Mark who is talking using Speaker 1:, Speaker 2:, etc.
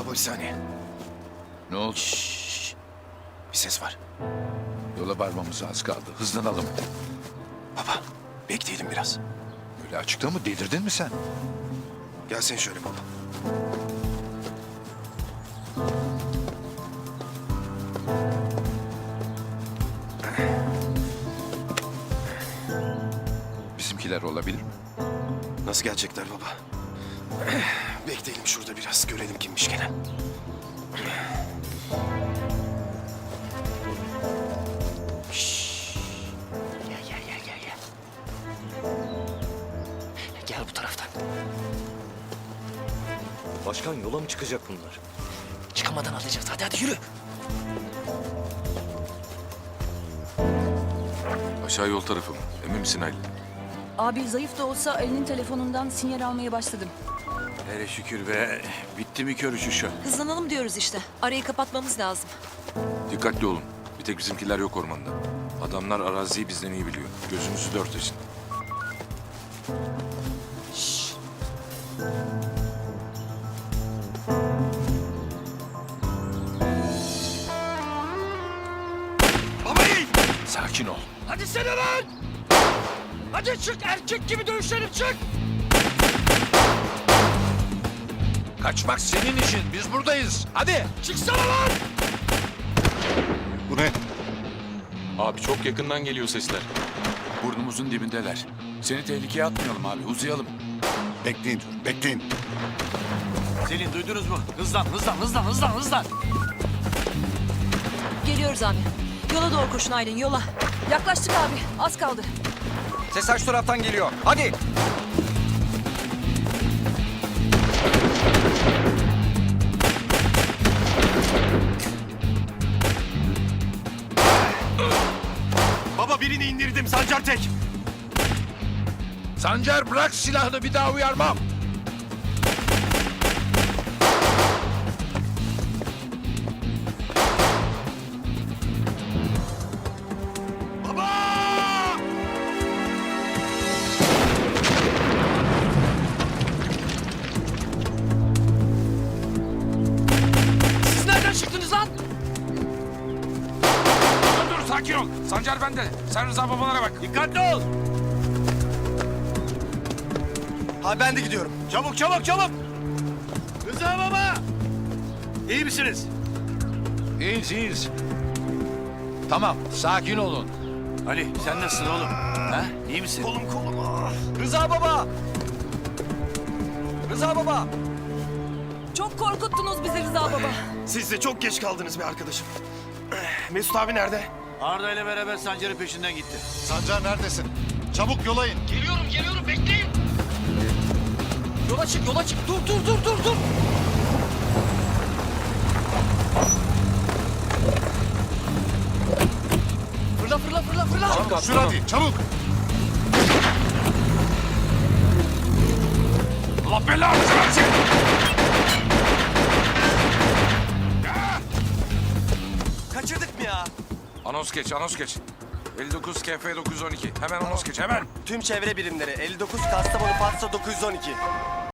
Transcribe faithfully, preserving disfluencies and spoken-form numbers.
Speaker 1: Baba bir saniye.
Speaker 2: Ne oldu?
Speaker 1: Şşş. Bir ses var.
Speaker 2: Yola varmamız az kaldı. Hızlanalım.
Speaker 1: Baba bekleyelim biraz.
Speaker 2: Böyle açıkta mı? Delirdin mi sen?
Speaker 1: Gelsene şöyle baba.
Speaker 2: Bizimkiler olabilir mi?
Speaker 1: Nasıl gelecekler baba? Bekleyelim şurada biraz. Görelim kimmiş gene. Şşş. Gel gel gel gel gel. Gel bu taraftan.
Speaker 3: Başkan yola mı çıkacak bunlar?
Speaker 1: Çıkamadan alacağız. Hadi hadi yürü.
Speaker 4: Aşağı yol tarafı mı? Emin misin Halil?
Speaker 5: Abi zayıf da olsa Ali'nin telefonundan sinyal almaya başladım.
Speaker 6: Hele şükür be. Bitti mi kör uçuşu?
Speaker 7: Hızlanalım diyoruz işte. Arayı kapatmamız lazım.
Speaker 4: Dikkatli olun. Bir tek bizimkiler yok ormanda. Adamlar araziyi bizden iyi biliyor. Gözünüzü dört açın.
Speaker 2: Sakin ol.
Speaker 6: Hadi sen lan! Hadi çık erkek gibi dövüşelim çık!
Speaker 2: Kaçmak senin işin. Biz buradayız. Hadi.
Speaker 6: Çıksana lan!
Speaker 2: Bu ne?
Speaker 4: Abi çok yakından geliyor sesler.
Speaker 6: Burnumuzun dibindeler. Seni tehlikeye atmayalım abi uzayalım.
Speaker 8: Bekleyin, bekleyin.
Speaker 6: Selin duydunuz mu? Hızlan hızlan hızlan hızlan hızlan!
Speaker 7: Geliyoruz abi. Yola doğru koşun Aylin yola.
Speaker 5: Yaklaştık abi. Az kaldı.
Speaker 3: Ses karşı taraftan geliyor. Hadi.
Speaker 1: Baba birini indirdim. Sancar tek.
Speaker 2: Sancar bırak silahını, bir daha uyarmam.
Speaker 1: Baba!
Speaker 6: Siz nereden çıktınız lan?
Speaker 4: Dur dur sakin ol. Sancar bende. Sen Rıza babalara bak.
Speaker 6: Dikkatli ol!
Speaker 1: Ha ben de gidiyorum.
Speaker 6: Çabuk çabuk çabuk! Rıza baba! İyi misiniz?
Speaker 2: İyiyiz, iyiyiz. Tamam, sakin olun.
Speaker 6: Ali sen nasılsın oğlum? Ha? İyi misin?
Speaker 1: Kolum kolum. Ah.
Speaker 3: Rıza baba. Rıza baba.
Speaker 5: Çok korkuttunuz bizi Rıza baba.
Speaker 1: Siz de çok geç kaldınız be arkadaşım. Mesut abi nerede?
Speaker 6: Arda ile beraber Sancar'ın peşinden gitti.
Speaker 8: Sancar neredesin? Çabuk yola in.
Speaker 6: Geliyorum geliyorum bekleyin! Yola çık yola çık! Dur dur dur dur dur! Fırla fırla fırla fırla!
Speaker 8: Sür hadi, çabuk.
Speaker 4: Allah belanı versin.
Speaker 3: Kaçırdık mı ya?
Speaker 4: Anons geç, anons geç. elli dokuz K F dokuz yüz on iki. Hemen anons geç, hemen.
Speaker 3: Tüm çevre birimleri elli dokuz Kastamonu Fatsa dokuz yüz on iki.